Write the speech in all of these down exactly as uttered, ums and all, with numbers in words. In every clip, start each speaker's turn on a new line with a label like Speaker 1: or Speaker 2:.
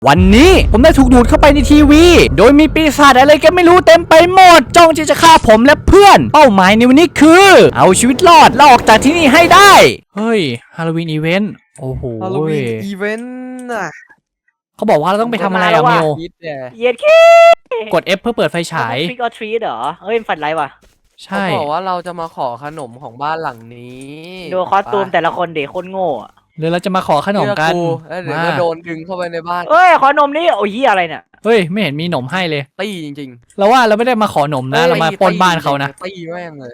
Speaker 1: วันนี้ผมได้ถูกดูดเข้าไปในทีวีโดยมีปีศาจอะไรก็ไม่รู้เต็มไปหมดจ้องที่จะฆ่าผมและเพื่อนเป้าหมายในวันนี้คือเอาชีวิตรอดและออกจากที่นี่ให้ได้เฮ้ยฮาโลวีนอีเวนต์โอ้โห
Speaker 2: ฮาโลวีนอีเวนต์น่ะ
Speaker 1: เขาบอกว่าเราต้องไปทำอะไรอะมิว
Speaker 3: เย็ดแค่
Speaker 1: กด F เพื่อเปิดไฟฉาย
Speaker 3: ทริกออทรีเหรอเฮ้ยฝันไรวะ
Speaker 1: ใช่
Speaker 2: เขาบอกว่าเราจะมาขอขนมของบ้านหลังนี้
Speaker 3: ดูคอสตูมแต่ละคนเด็กคนโง่อะ
Speaker 1: หรือเราจะมาขอขนมกัน
Speaker 2: แล้วเดี๋ยวก็โดนดึงเข้าไปในบ้าน
Speaker 3: เอ้ยขอนมนี่โอ้ยอะไรเนี่ย
Speaker 1: เฮ้ยไม่เห็นมีหนมให้เลย
Speaker 2: ตีจริง
Speaker 1: เราว่าเราไม่ได้มาขอหนม
Speaker 2: ๆ
Speaker 1: นะเรามาปล้นบ้านเขานะ
Speaker 2: ตีแม่งเลย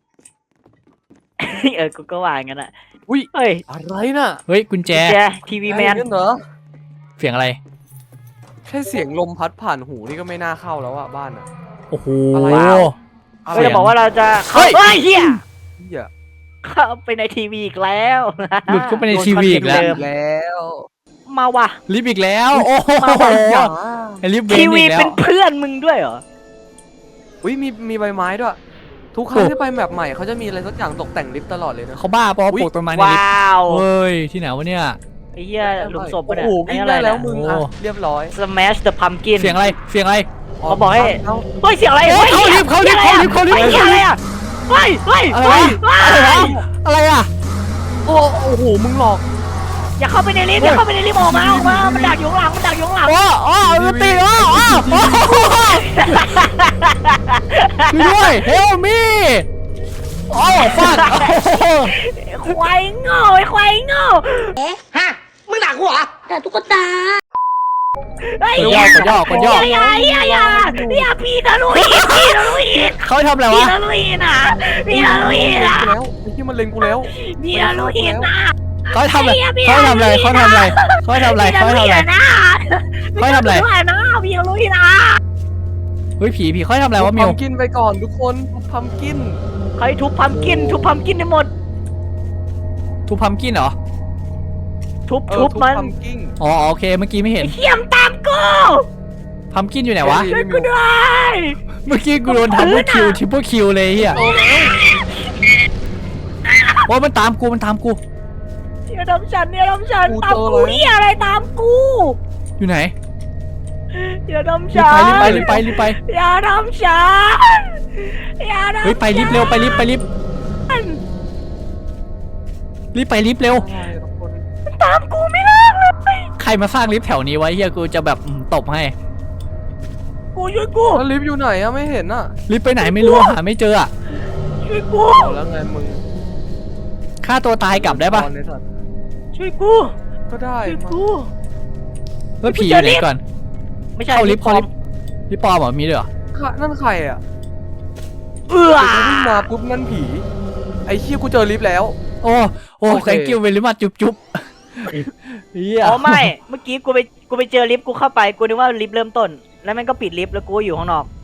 Speaker 3: เออกูก็ว่างั้นอ่ะ
Speaker 2: อุ้ย
Speaker 3: เฮ้ย
Speaker 2: อะไรน่ะ
Speaker 1: เฮ้ยกุญแจ
Speaker 3: แจทีวีแมน
Speaker 2: อะไรเหรอ
Speaker 1: เสียงอะไร
Speaker 2: แค่เสียงลมพัดผ่านหูนี่ก็ไม่น่าเข้าแล้วอะบ้านอะ
Speaker 1: โอ้โห
Speaker 2: อะไร
Speaker 3: เฮ้ยเราบอกว่าเราจะ
Speaker 1: เฮ้ย
Speaker 3: เฮ้ยเฮีย
Speaker 2: เหี้ย
Speaker 3: เข้าไปในทีวีอีกแล้ว
Speaker 1: หลุดเข้าไปในทีวีอีกแล้ว
Speaker 3: โดนคอนเทนต์เดิม
Speaker 2: แล้ว
Speaker 3: มาว่ะ
Speaker 1: ลิฟต์อีกแล้วโอ้โห
Speaker 3: มาว่ะ
Speaker 1: ไอ้ลิฟต์เบน
Speaker 3: ที
Speaker 1: อี
Speaker 3: วี
Speaker 1: กแล้
Speaker 3: เป็
Speaker 1: วน
Speaker 3: เพื่อนมึงด้วยเหรอ
Speaker 2: อุ้ยมีมีใบไม้ด้วยทุกครั้งที่ไปแมปใหม่เขาจะมีอะไรสักอย่างตกแต่งลิฟต์ตลอดเลยนะ
Speaker 1: เขาบ้าเพราะว่า
Speaker 2: อุ๊ย
Speaker 1: ปลูกต้นไม้ในลิฟต์
Speaker 3: ว้าว
Speaker 1: เฮ้ยที่ไหนวะเนี่ย
Speaker 3: ไอ้เหี้ยหลุมศพปะเนี่ย
Speaker 2: โอ้โห
Speaker 3: ไอ้
Speaker 2: วิ่ง
Speaker 3: อะไร
Speaker 2: ได้แล้ว
Speaker 3: เนี่ย
Speaker 2: มึง
Speaker 1: โอ้
Speaker 2: อะเรียบร้อย
Speaker 3: Smash the Pumpkin
Speaker 1: เสียงอะไรเสียงอะไร
Speaker 3: เขาบอกให้
Speaker 2: เา
Speaker 3: เฮ้ยเสียงอะไร
Speaker 1: เฮ้ยเขาลิฟต์เขาลิฟต์เขาลิฟต์เขาลิฟต์
Speaker 3: เฮ้ยเสียงอะไรอ่ะเฮ้ยเฮ้ย
Speaker 1: อะไร
Speaker 3: เฮ้ยว
Speaker 1: ะอะไรวะอะไรอะ
Speaker 2: โอ้โอ้โหมึงหลอก
Speaker 3: อย่าเข้าไปในลิฟต์อย่าเข้าไปในลิฟต์ออกมาออกมามันดักอยู่ข้างหลังมันดักอยู่ข้างหลัง
Speaker 1: โอ้โอ้มันตีโอ้โอ้โอ้ช่วยด้วยเฮลมีโอ้ฟาดโอ้
Speaker 3: ควายโง่ไอ้ควายโง่
Speaker 4: ฮะมึงด่ากูเหรอด่าตุ๊กตา
Speaker 3: เฮ้ย
Speaker 1: กดย่อกดย่อกดย่อ
Speaker 3: อย่าอย่าอย่าอย่าพี่ทะลุอีกพี่ทะลุอีก
Speaker 1: เขาทำอะไร
Speaker 3: พี่
Speaker 1: วะ
Speaker 3: ทะลุอีกนะพี่ทะลุอีกนะ
Speaker 2: แล้วไอ้ที่มันเล็งกูแล้ว
Speaker 3: พี่ทะลุอีกนะ
Speaker 1: เขาทำอะไรเขาทำอะไรเขาทำอะไรเขาทำอะไรเขาทำอะไร
Speaker 3: นะ
Speaker 1: เขาทำอะไร
Speaker 3: พี่ทะลุนะพี่ทะลุอีกนะ
Speaker 1: เฮ้ยผีผีเขาทำอะไรวะมิว
Speaker 2: พัมกินไปก่อนทุกคนพัมกิน
Speaker 3: ใครทุบพัมกินทุบพัมกินให้หมด
Speaker 1: ทุบพัมกินเหรอ
Speaker 3: ทุบทุบมัน
Speaker 2: พัมกิน
Speaker 1: อ๋อโอเคเมื่อกี้ไม่เห็น
Speaker 3: เขี้ยมตามกู
Speaker 1: พัมกินอยู่ไหนวะ
Speaker 3: ช่วยกูด้วย
Speaker 1: เมื่อกี้กูโดนทับเบิลคิวทริปเปิลคิวเลยเฮียโอ้มันตามกูมันตามกู
Speaker 3: อย่าทำฉันอย่าทำฉันตามกูเหี้ยอะไรตามกู
Speaker 1: อยู่ไหน
Speaker 3: อย่าทำ
Speaker 1: รีบ
Speaker 3: ฉัน
Speaker 1: ไปรีบไปรีบไปรีบไป
Speaker 3: อย่าทำฉันอย่าทำ
Speaker 1: เฮ้ยไปรีบเร็วไปรีบไปรีบรีบไปรีบเร็ว
Speaker 2: อะไรทุกคน
Speaker 3: ตามกูไม่เลิกเลย
Speaker 1: ใครมาสร้างลิฟต์แถวนี้ไว้เฮียกูจะแบบอืมตบให้
Speaker 3: กูช่วยกู
Speaker 2: แล้วลิฟต์อยู่ไหนอะไม่เห็นอะ
Speaker 1: ลิฟต์ไปไหนไม่รู้หาไม่เจออะ
Speaker 3: ช่วยกู
Speaker 2: เอาแล้วไงมึง
Speaker 1: ฆ่าตัวตายกลับได้ปะ
Speaker 2: ตอนนี้สัตว์
Speaker 3: ช่วยกู
Speaker 2: ก็ได้
Speaker 3: ช่วย
Speaker 2: มา
Speaker 3: กู
Speaker 1: แล้วผีอยู่ไหนก่อน
Speaker 3: ไม่ใช่
Speaker 1: เข้าลิฟต์
Speaker 3: ปล
Speaker 1: เข้า
Speaker 3: อ
Speaker 1: ลิ
Speaker 3: ม
Speaker 1: ฟต์ลิฟต์ปลอมเหรอมีด้วยเหรอ
Speaker 2: ค่ะนั่นใครอะ
Speaker 3: เอื้อ
Speaker 2: เดี๋ยวกูวิ่งมาปุ๊บนั่นผีไอ้เชี่ยกูเจอลิฟต์แล้ว
Speaker 1: โอ้โอ้
Speaker 2: โอเค
Speaker 1: thank you very much จุ๊บจุ๊บเฮีย
Speaker 3: อ๋อไม่เมื่อกี้กูไปกูไปเจอลิฟต์กูเข้าไปกูนึกว่าลิฟต์เริ่มต้น แล้วมันก็ปิดลิฟต์แล้วกูอยู่ข้างนอก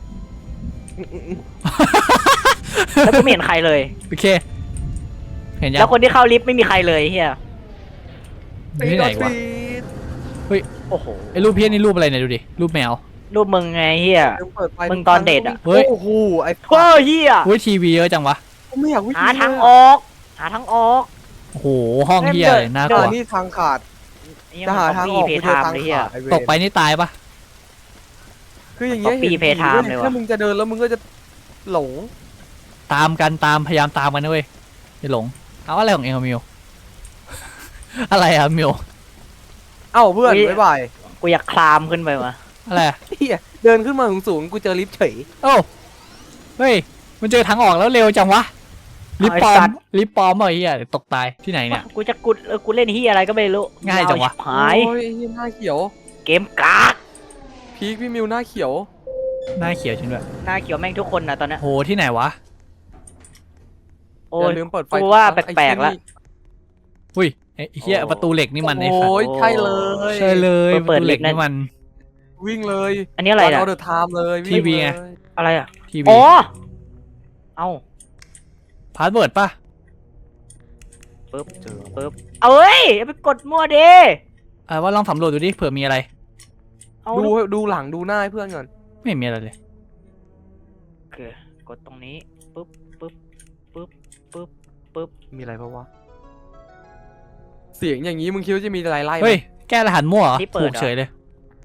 Speaker 3: แล้วกูไม่เห็นใครเลย
Speaker 1: โอเคเห็นยัง
Speaker 3: แล้วคนที่เข้าลิฟต์ไม่มีใครเลยเฮีย
Speaker 1: อยู่ที่ไหนวะ
Speaker 3: โอ้โห
Speaker 1: ไอ้รูปเพี้ยนนี่รูปอะไรเนี่ยดูดิรูปแมว
Speaker 3: รูปมึงไงเฮีย
Speaker 2: ยังเปิดไฟ
Speaker 3: มึงตอนเด็กอะ
Speaker 1: เฮ้ย
Speaker 2: โอ้โหไอ้
Speaker 3: โอ้เฮีย
Speaker 1: เฮ้ยทีวีเยอะจังวะ
Speaker 2: กูไม่อยากวิ่ง
Speaker 3: หาทางออก หาทางออก
Speaker 1: โอ้โหห้องเฮียเลยน่าก
Speaker 2: เดิ
Speaker 1: ลัว
Speaker 2: นนี่ทางขาด
Speaker 3: นี่
Speaker 2: จะ
Speaker 3: มัน
Speaker 2: หาทางออก
Speaker 3: เพ
Speaker 2: กูเจ
Speaker 3: ทา
Speaker 2: อ
Speaker 3: ม
Speaker 2: ทาง
Speaker 3: เลยเฮีย
Speaker 2: ขาดไอ้เวร
Speaker 1: ตกไปนี่ตายปะ
Speaker 2: คืออย่างเงี้ย
Speaker 3: Copy
Speaker 2: เห็น
Speaker 3: Pay Time เลยว่ะ
Speaker 2: ถ้ามึงจะเดินแล้วมึงก็จะหลง
Speaker 1: ตามกันตามพยายามตามกันนะเว้ยอย่าหลงเอาอะไรของเองอะมิว อะไรอะมิว
Speaker 2: เอ้าเพื่อนบ๊ายบาย
Speaker 3: กูอยากคลามขึ้นไปว่ะ
Speaker 1: อะไรอะ
Speaker 2: เฮียเดินขึ้นมาสูงๆกูเจอลิฟต์เฉย
Speaker 1: โอ้เฮ้ยมันเจอทางออกแล้วเร็วจังวะลิฟต์ปลอมลิฟต์ปลอมเหรอเฮียเดี๋ยวตกตายที่ไหนเนี่ย
Speaker 3: กูจะกุดเออกูเล่นเฮียอะไรก็ไม่รู้
Speaker 1: ง่ายจังวะ
Speaker 3: หาย
Speaker 2: โอ้ยไอ้เหี้ยหน้าเขียว
Speaker 3: เกมกาก
Speaker 2: พีคพี่มิวหน้าเขียว
Speaker 1: หน้าเขียวจริงด้วย
Speaker 3: หน้าเขียวแม่งทุกคนนะตอนเนี้ย
Speaker 1: โหที่ไหนวะ
Speaker 3: โอ้
Speaker 2: อย่าย ลืมเปิดไฟ
Speaker 3: กูว่า
Speaker 2: ทุกครั้ง
Speaker 3: แปลกๆ
Speaker 2: ไอ้
Speaker 3: ละ
Speaker 2: เหี้ยนี่
Speaker 1: อุ้ยไอ้เฮียประตูเหล็กนี่มันไอ้สัต
Speaker 2: โอ้
Speaker 1: ว์
Speaker 2: ยใช่เลย
Speaker 1: ใช่เลยประตูเหล็กนี่มัน
Speaker 2: วิ่งเลย
Speaker 3: อันนี้อะไร
Speaker 2: เอา
Speaker 3: อ่ะ
Speaker 2: เดอะไทม์เลย
Speaker 1: ทีวีไง
Speaker 2: เลย
Speaker 3: อะไรอ่ะ
Speaker 1: ทีวี
Speaker 3: อ๋อเอา
Speaker 1: พาสเวิร์ดป่ะ
Speaker 3: ปึ๊บปึ๊บเอาเอ้ยเอาไปกดมั่วดิ
Speaker 1: อ่าว่าลองสำรวจดูดิเผื่อมีอะไร
Speaker 3: เอา
Speaker 2: ดู
Speaker 3: ดู
Speaker 2: ดูหลังดูหน้าให้เพื่อนก่อน
Speaker 1: ไม่เห็นมีอะไรเลย
Speaker 3: โอเคกดตรงนี้ปึ๊บปึ๊บปึ๊บปึ๊บปึ๊บ
Speaker 2: มีอะไรปะวะเสียงอย่างนี้มึงคิดว่าจะมีอะไรไล่ไหม
Speaker 1: เฮ้ยแก้รหัสมั่วเหรอ
Speaker 3: ที่เปิ
Speaker 1: ถู
Speaker 3: ด
Speaker 1: ก
Speaker 3: เหรอ
Speaker 1: เฉยเลย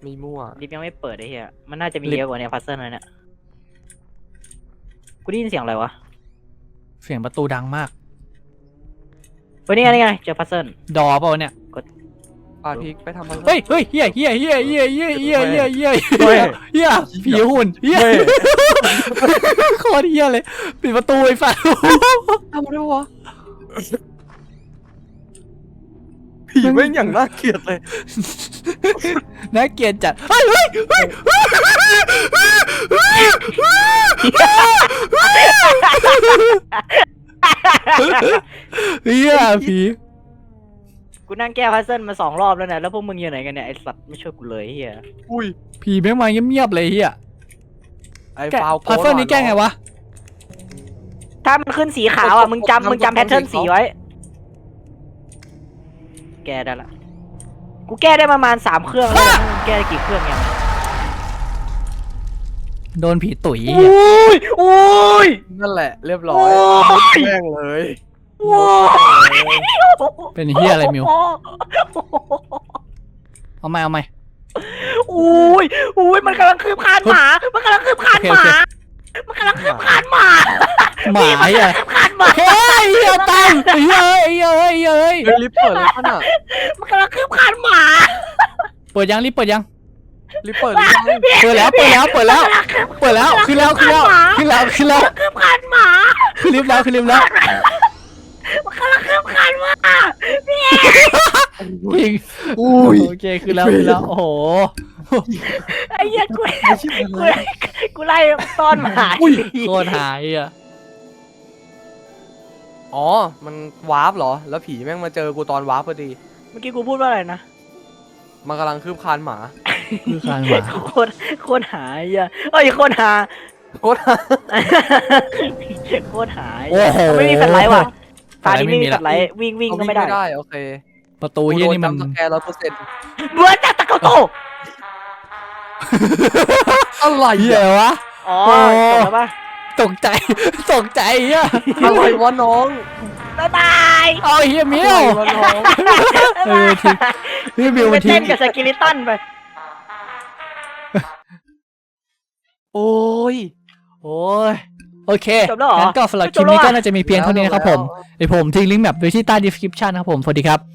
Speaker 2: มีมั่ว
Speaker 3: ลิฟต์ยังไม่เปิดไอ้เหี้ยมันน่าจะมี
Speaker 1: ลิฟต์
Speaker 3: เยอะกว่านี้พัซเซิลเลยเนี่ยกูได้ยินเสียงอะไรวะ
Speaker 1: เสียงประตูดังมาก
Speaker 3: เฮ้ยนี่ไงนี่ไงเจอพัซเซิล
Speaker 1: ดอเปล่าวะเนี่ย
Speaker 2: ปาพีกไปทำอะไร
Speaker 1: เฮ้ยเฮ้ยเฮียเฮียเฮียเฮียเฮียเฮียเฮียเฮีย
Speaker 2: เฮ้ย
Speaker 1: เฮียผีหุ่นเฮียโคตรเฮียเลยปิดประตูไอ้ฟ้า
Speaker 2: ทำอะไรวะผีแม่งอย่างน่าเกลียดเลย
Speaker 1: น่าเกลียดจัดเฮ้ยเฮ้ยเฮ้ยเฮียผี
Speaker 3: กูนั่งแก้พัซเซิลมาสองรอบแล้วเนี่ยแล้วพวกมึงอยู่ไหนกันเนี่ยไอสัตว์ไม่ช่วยกูเลยไอ้เหี้ย
Speaker 2: อุ้ย
Speaker 1: ผีแม่งมาเงียบๆเลยเฮีย
Speaker 2: ไอ้
Speaker 1: แกะ
Speaker 2: ฟาว
Speaker 1: พัซเซิลนี้แก้ไงวะ
Speaker 3: ถ้ามันขึ้นสีขาวอ่ะมึงจำมึงจำแพทเทิร์นสีไว้ แก้ได้ละกูแก้ได้ประมาณสามเครื่องแล้วมึงแก้ได้กี่เครื่องยัง
Speaker 1: โดนผีตุ๋ย
Speaker 3: โอ้ยโอ้ย
Speaker 2: นั่นแหละเรียบร้อย
Speaker 3: โอ้ย
Speaker 2: แม่งเลย
Speaker 3: โอ้ย
Speaker 1: เป็นเฮียอะไรมิวเอาไหมเอาไหม
Speaker 3: โอ้ยโอ้ยมันกำลังคืบคานหมา มันกำลังคืบคานหมา มันกำลังคืบคานหมา
Speaker 1: หมาเฮีย
Speaker 3: คืบคานหมา
Speaker 1: เฮ้ยเฮียตังเฮ้ยเฮ้ยเฮ้ยเฮ้ย
Speaker 2: เฮ้ยลิฟต์เปิดเลยขนาด
Speaker 3: มันกำลังคืบคานหมา
Speaker 1: เปิดยังรีบเปิดยัง
Speaker 2: ลิฟต์เปิดหรือยัง
Speaker 1: เปิดแล้วเปิดแล้วเปิดแล้วเปิดแล้วขึ้นแล้วขึ้นแล้วขึ้นแล้วขึ้นแล้ว
Speaker 3: คืบคานหมา
Speaker 1: ขึ้นลิฟต์แล้วขึ้นลิฟต์แล้ว
Speaker 3: มันกำลังคืบคานหมา
Speaker 1: จริง
Speaker 2: อุ้ย
Speaker 1: โอเคขึ้นแล้วขึ้นแล้วโอ้โห
Speaker 3: ไอ้เหี้ยกู
Speaker 2: ไม่ใช่
Speaker 3: กูกูไล่ต้อนหมา
Speaker 1: โคตรหายอ่ะ
Speaker 2: อ๋อมันวาร์ปเหรอแล้วผีแม่งมาเจอกูตอนวาร์ปพอดี
Speaker 3: เมื่อกี้กูพูดว่าอะไรนะ
Speaker 2: มันกำลังคืบคานหมา
Speaker 1: คือการหมา
Speaker 3: โคตรโคตรหายอ่ะเอ้ยโคตรหา
Speaker 2: โคตร
Speaker 3: โคตรหาย
Speaker 1: โอ้โห
Speaker 3: ไม่มีแฟลชไลท์ว่ะตา
Speaker 1: อะไร
Speaker 3: นี้
Speaker 1: ไม่
Speaker 3: ไม่
Speaker 1: มี
Speaker 3: มี
Speaker 1: ละ
Speaker 3: แฟลชไลท์วิ่งวิ่งก็ไม่ได้
Speaker 2: ไม่ได้โอเค
Speaker 1: ประตูเฮียนี่มัน
Speaker 2: กูโดจำสแกนร้อยเปอร์เซ็นต์
Speaker 3: เบื่อจัดตะโกโต
Speaker 2: อะไร
Speaker 1: เฮีย
Speaker 2: อะ
Speaker 1: วะ
Speaker 3: อ๋อ
Speaker 1: โอ้
Speaker 3: จบแล้วป่ะ
Speaker 1: ตกใจตกใจอ่ะ
Speaker 2: อะไรวะน้อง
Speaker 3: บ๊ายบาย
Speaker 1: เอาเฮียมิ
Speaker 2: อะไร
Speaker 1: ว
Speaker 2: วะน้อง
Speaker 1: เออทิ้งพี่มิว
Speaker 3: ไป
Speaker 1: ทิ้
Speaker 3: เต้
Speaker 1: ง
Speaker 3: นกับสกิลิตันไป
Speaker 2: โอ้ย
Speaker 1: โอ้ยโอเค
Speaker 3: จบแล้วเหรอ
Speaker 1: งั้นก็สำหรับคลิปนี้ก็น่าจะมีเพียงเท่านี้นะครับผมเดี๋ยวผมทิ้งลิงก์แบบไว้ที่ใต้ description นะครับผมสวัสดีครับ